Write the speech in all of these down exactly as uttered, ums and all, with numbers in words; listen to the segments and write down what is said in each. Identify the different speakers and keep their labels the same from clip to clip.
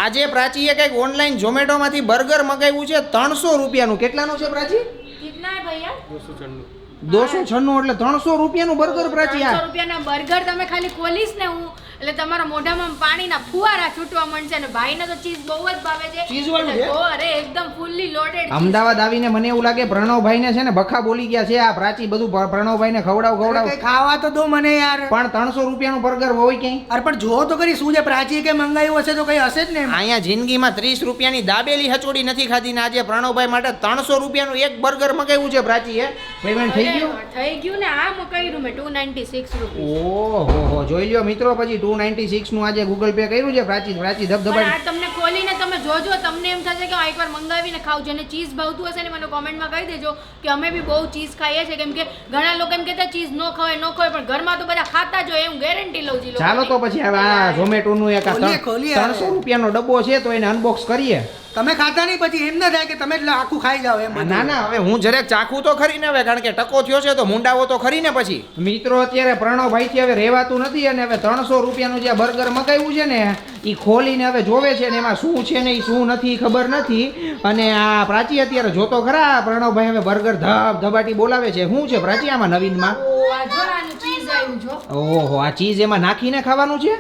Speaker 1: આજે પ્રાચીએ કંઈક ઓનલાઈન ઝોમેટો માંથી બર્ગર મગાવ્યું છે ત્રણસો રૂપિયાનું. કેટલાનું છે પ્રાચી?
Speaker 2: કિતના હે ભૈયા?
Speaker 3: દોસો છન્નું.
Speaker 1: દોસો છન્નું એટલે ત્રણસો રૂપિયાનું બર્ગર પ્રાચી.
Speaker 2: ત્રણસો રૂપિયાના બર્ગર તમે ખાલી ખોલીશ ને હું એટલે તમારા મોઢામાં પાણીના ફુવારા છૂટવા મળશે અને ભાઈને તો ચીઝ બહુ જ ભાવે છે.
Speaker 1: ચીઝ વાળું છે?
Speaker 2: અરે એકદમ ફૂલ્લી લોડેડ.
Speaker 1: અમદાવાદ આવીને મને એવું લાગે પ્રણવભાઈ ને છે ને બખા બોલી ગયા છે. આ પ્રાચી બધું પ્રણવભાઈ ને ખવડાવ ખવડાવ
Speaker 4: કઈ ખાવા તો દો મને યાર.
Speaker 1: પણ ત્રણસો રૂપિયાનું બર્ગર હોય ક્યાંય?
Speaker 4: અરે પણ જો તો કરી શું છે, પ્રાચી કે મંગાવ્યું હશે તો કઈ હશે જ ને એમાં.
Speaker 1: અહીંયા જિંદગીમાં ત્રીસ રૂપિયાની દાબેલી હચોડી નથી ખાધી ને આજે પ્રણવભાઈ માટે ત્રણસો રૂપિયાનું એક બર્ગર મગાવ્યું છે પ્રાચીએ. પેમેન્ટ થઈ ગયું?
Speaker 2: થઈ ગયું ને. આ મકાઈનું મેં ટુ નાઇન્ટી સિક્સ રૂપિયા.
Speaker 1: ઓહો હો, જોઈ લ્યો મિત્રો, પછી ટુ નાઇન્ટી સિક્સ નું આજે ગૂગલ પે કર્યું છે પ્રાચી. પ્રાચી ધબધબાટ.
Speaker 2: આ તમને ખોલીને તમે જોજો, તમને એમ થશે કે એકવાર મંગાવીને ખાવ. જેને ચીઝ ભાવતું હશે ને મને કોમેન્ટમાં કહી દેજો કે અમે બી બહુ ચીઝ ખાઈએ છીએ. કેમ કે ઘણા લોકો એમ કહેતા ચીઝ ન ખવાય ન ખવાય, પણ ઘરમાં તો બધા ખાતા જ હોય, હું ગેરંટી લઉં છું.
Speaker 1: ચાલો તો પછી હવે આ ઝોમેટો નું એક
Speaker 4: ખોલીએ, ખોલીએ હવે.
Speaker 1: ત્રણસો રૂપિયાનો ડબ્બો છે તો એને અનબોક્સ કરીએ.
Speaker 4: તમે ખાતા નહીં પછી એમ ના થાય કે તમે એટલે આખું ખાઈ જાવ એમ બધું.
Speaker 1: ના ના, હવે હું જરાક ચાખું તો ખરી ને હવે, કારણ કે ટકો થયો છે તો મુંડાવો તો ખરી ને પછી. મિત્રો અત્યારે પ્રણવભાઈ થી હવે રહેવાતું નથી અને હવે ત્રણસો રૂપિયાનું જે બર્ગર મગાવ્યું છે ને એ ખોલીને હવે જોવે છે ને એમાં શું છે ને એ શું નથી ખબર નથી. અને આ પ્રાચી અત્યારે જોતો ખરા પ્રણવભાઈ હવે બર્ગર ધબ ધબાટી બોલાવે છે. શું છે પ્રાચી આમાં નવીનમાં?
Speaker 2: આ જો આનું ચીઝ આવ્યું જો.
Speaker 1: ઓહો, આ ચીઝ એમાં નાખીને ખાવાનું છે?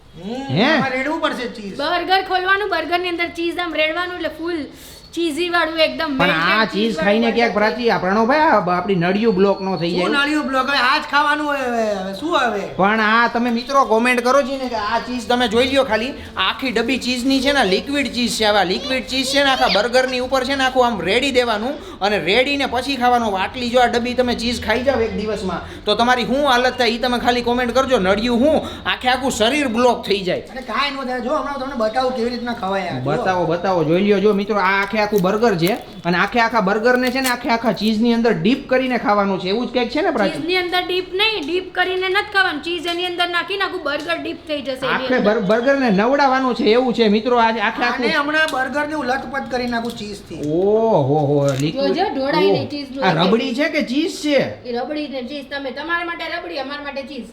Speaker 1: હે?
Speaker 4: આમાં રેડવું પડશે ચીઝ.
Speaker 2: બર્ગર ખોલવાનું, બર્ગર ની અંદર ચીઝ આમ રેડવાનું એટલે ફૂલ ચીઝી વાળું એકદમ.
Speaker 1: પણ આ ચીઝ ખાઈને ક્યાંક પ્રાચી આ પ્રણવભાઈ આ આપણી નળિયું બ્લોક નો થઈ
Speaker 4: શું
Speaker 1: જાય.
Speaker 4: નાળિયું બ્લોક હવે આજ ખાવાનું હોય હવે હવે શું હવે.
Speaker 1: પણ આ તમે મિત્રો કોમેન્ટ કરો છો ને કે આ ચીઝ તમે જોઈ લ્યો ખાલી. આખી ડબ્બી ચીઝની છે ને લિક્વિડ ચીઝ છે. આવા લિક્વિડ ચીઝ છે ને આખા બર્ગરની ઉપર છે ને આખું આમ રેડી દેવાનું અને રેડીને પછી ખાવાનું. આટલી જો આ ડબ્બી તમે ચીઝ ખાઈ જાવ એક દિવસમાં તો તમારી શું હાલત થાય એ તમે ખાલી કોમેન્ટ કરજો. નળિયું હું આખે આખું શરીર બ્લોક થઈ જાય.
Speaker 4: અરે કાંઈ ન થાય. જો હમણાં તમને બતાવું કેવી રીતના ખવાય યાર. જો.
Speaker 1: બતાવો બતાવો, જોઈ લ્યો. જો મિત્રો આ આખે આખું બર્ગર છે અને આખે આખા બર્ગરને છે ને આખે આખા ચીઝની અંદર ડીપ કરીને ખાવાનું છે. એવું જ કંઈક છે ને પ્રાચી?
Speaker 2: ચીઝ ની અંદર ડીપ નહીં, ડીપ કરીને નથી ખાવાનું. ચીઝ એની અંદર નાખીને આખું બર્ગર ડીપ થઈ જશે એની
Speaker 1: આખે
Speaker 2: અંદર.
Speaker 1: બર્ગરને નવડાવવાનું છે એવું છે મિત્રો. આ આખે
Speaker 4: આને
Speaker 1: આખું
Speaker 4: હમણાં બર્ગર ને લથપથ કરી નાખું ચીઝ થી.
Speaker 1: ઓહો હો,
Speaker 2: જોજો, ઢોળાઈને ચીઝનું
Speaker 1: આ રબડી છે કે ચીઝ છે?
Speaker 2: એ રબડી ને ચીઝ તમે તમારા માટે રબડી, અમારા માટે ચીઝ.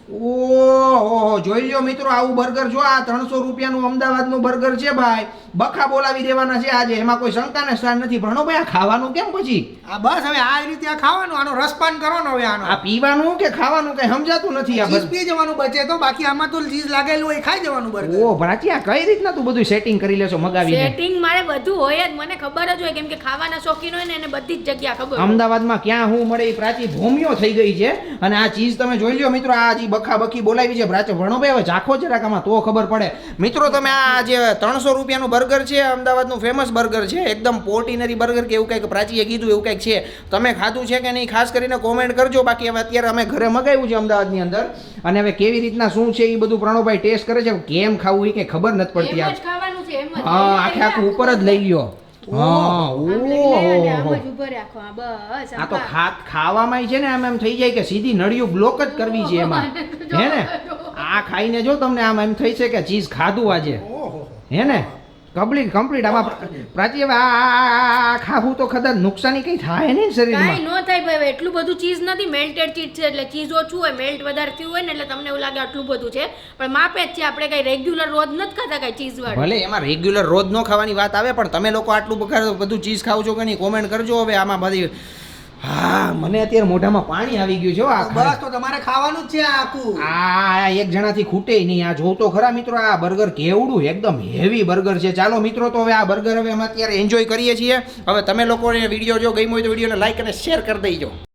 Speaker 1: ઓહો, જોઈ લ્યો મિત્રો આવું બર્ગર. જો આ ત્રણસો રૂપિયાનું અમદાવાદનું બર્ગર છે ભાઈ. બખા બોલાવી દેવાના છે આજે, એમાં કોઈ શંકાને સ્થાન નથી. ભણો ભાઈ આ ખાવાનું કેમ પછી?
Speaker 4: આ બસ હવે આ રીતે આ ખાવાનું, આનો રસપાન કરવાનો હવે આનો.
Speaker 1: આ પીવાનું કે ખાવાનું કઈ સમજાતું નથી. આ
Speaker 4: ચીઝ
Speaker 1: બધું
Speaker 4: પી જવાનું બચે તો, બાકી આમાં તો ચીઝ લાગેલું હોય ખાઈ જવાનું બર્ગર.
Speaker 1: ઓ પ્રાચી, આ કઈ રીતના તું બધું સેટિંગ કરી લેશો મગાવીને?
Speaker 2: સેટિંગ મારે બધું હોય જ, મને ખબર જ હોય. કેમ કે ખાવાના શોખીન હોય ને એને બધી જ જગ્યા ખબર હોય.
Speaker 1: અમદાવાદમાં ક્યાં હું મળે એ પ્રાચી ભૂમિયો થઈ ગઈ છે. અને આ ચીઝ તમે જોઈ લ્યો મિત્રો. આ જે બખા બખી બોલાવી છે પ્રાચી. ભણો ભાઈ હવે ચાખો જરાક આમાં તો ખબર પડે. મિત્રો તમે આ જે ત્રણસો રૂપિયાનું બર્ગર છે અમદાવાદનું ફેમસ બર્ગર છે, એકદમ પોર્ટિનરી બર્ગર કે એવું કંઈક પ્રાચીએ કીધું એવું કંઈક છે. તમે ખાધું છે કે નહીં ખાસ કરીને કોમેન્ટ કરજો. બાકી હવે અત્યારે અમે ઘરે મગાવ્યું છે અમદાવાદની અંદર અને હવે કેવી રીતના શું છે એ બધું પ્રણવભાઈ ટેસ્ટ કરે છે. કેમ ખાવું એ કંઈ ખબર નથી પડતી.
Speaker 2: એમ જ ખાવાનું છે, એમ જ.
Speaker 1: હા, આખે આખું ઉપર જ લઈ લ્યો. હા,
Speaker 2: આમ લઈને અને આમ
Speaker 1: ઓહો.
Speaker 2: જ ઊભો રાખો. આ બસ
Speaker 1: આ તો ખા ખાવામાં છે ને આમ એમ થઈ જાય કે સીધી નળિયું બ્લોક જ કરવી છે એમાં. હે ને? આ ખાઈને જો તમને આમ એમ થઈ છે કે ચીઝ ખાધું આજે.
Speaker 4: ઓહો.
Speaker 1: હે ને? Complete complete. આમાં પ્રાચી હવે આ- આ આ ખાવું તો કદાચ નુકસાની કઈ થાય નહીં
Speaker 2: કાંઈ
Speaker 1: શરીરમાં.
Speaker 2: ન થાય ભાઈ. એટલું બધું ચીઝ નથી, મેલ્ટેડ ચીઝ છે એટલે ચીઝ ઓછું હોય, મેલ્ટ વધારે થયું હોય ને એટલે તમને એવું લાગે આટલું બધું છે, પણ માપે જ છે. આપણે કઈ રેગ્યુલર રોજ નથી ખાતા કઈ ચીઝ વાળું.
Speaker 1: ભલે એમાં રેગ્યુલર રોજ ન ખાવાની વાત આવે પણ તમે લોકો આટલું બખા- બધું ચીઝ ખાવ છો કે નહીં કોમેન્ટ કરજો. હવે આમાં બધી હા મને અત્યારે મોઢામાં પાણી આવી ગયું છે હો. આ
Speaker 4: બસ તો તમારે ખાવાનું જ છે આ આખું.
Speaker 1: આ એક જણાથી ખૂટે નહીં. આ જોઉં તો ખરા મિત્રો આ બર્ગર કેવડું એકદમ હેવી બર્ગર છે. ચાલો મિત્રો તો હવે આ બર્ગર હવે અમે અત્યારે એન્જોય કરીએ છીએ. હવે તમે લોકોને વિડીયો જો ગમ્યો હોય તો વિડીયોને લાઈક અને શેર કરી દેજો.